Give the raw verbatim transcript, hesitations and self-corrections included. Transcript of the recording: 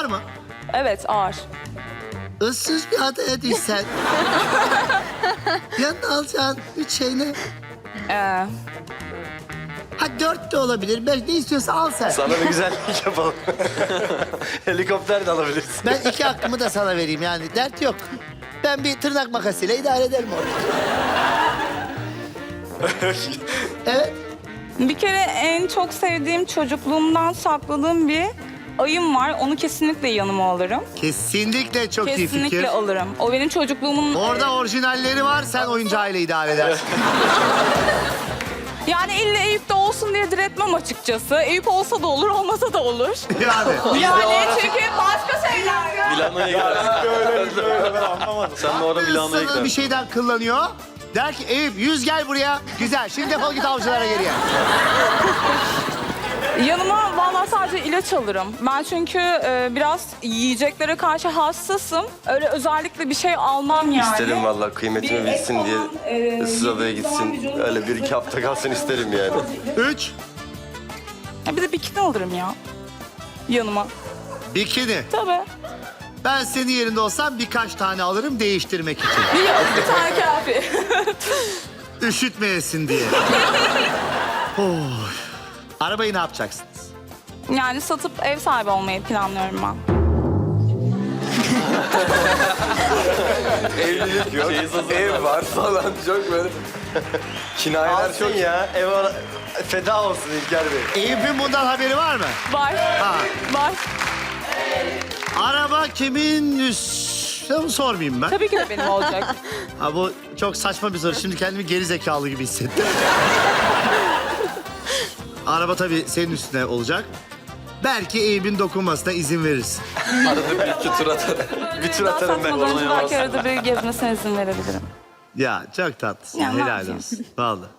mı? Evet, ağır. Issız bir adaya düşsen. Yanına alacağın üç şey ne? Ee, Ha dört de olabilir. Beş ne istiyorsa al sen. Sana bir güzellik yapalım. Helikopter de alabilirsin. Ben iki hakkımı da sana vereyim yani. Dert yok. Ben bir tırnak makasıyla idare ederim orada. Evet. bir kere en çok sevdiğim çocukluğumdan sakladığım bir ayım var. Onu kesinlikle yanıma alırım. Kesinlikle çok iyi fikir. Kesinlikle alırım. O benim çocukluğumun... Orada orijinalleri var. Sen oyuncağıyla idare edersin. Yani illa Eyüp'te olsun diye diretmem açıkçası. Eyüp olsa da olur, olmasa da olur. Yani. Yani çünkü başka şeyler. Milano'ya gidersin. Öyle öyle ben anlamadım. Sen de orada Milano'ya Sana bir gidersin. şeyden kullanıyor. Der ki Eyüp yüz gel buraya. Güzel. Şimdi defol git avcılara geriye. Yanıma vallahi sadece ilaç alırım. Ben çünkü e, biraz yiyeceklere karşı hassasım. Öyle özellikle bir şey almam yani. İsterim vallahi kıymetimi Bir bilsin et diye. falan, e, Issız adaya yediğim zaman gitsin. vücudum- Öyle bir iki hafta kalsın isterim yani. Üç. Ya bir de bikini alırım ya. Yanıma. Bikini. Tabii. Ben senin yerinde olsam birkaç tane alırım değiştirmek için. Bir, bir tane kafi. Üşütmeyesin diye. Oy. Arabayı ne yapacaksınız? Yani satıp ev sahibi olmayı planlıyorum ben. Evlilik yok. Ev var falan. Çok böyle. Kinayeler çok ya. Ev ara... Feda olsun İlker Bey. Eyüp'ün bundan haberi var mı? Var. Ha. Var. Araba kimin üst... Onu sormayayım ben. Tabii ki de benim olacak. Ha, bu çok saçma bir soru. Şimdi kendimi geri zekalı gibi hissettim. Araba tabii senin üstüne olacak. Belki Eyüp'ün dokunmasına izin verirsin. Arada bir iki tur atarım. Bir tur atarım ben. Saçmalarınca belki arada bir gezmesine izin verebilirim. Ya çok tatlısın. Ya, ne Helal yapayım? olsun. Vallahi.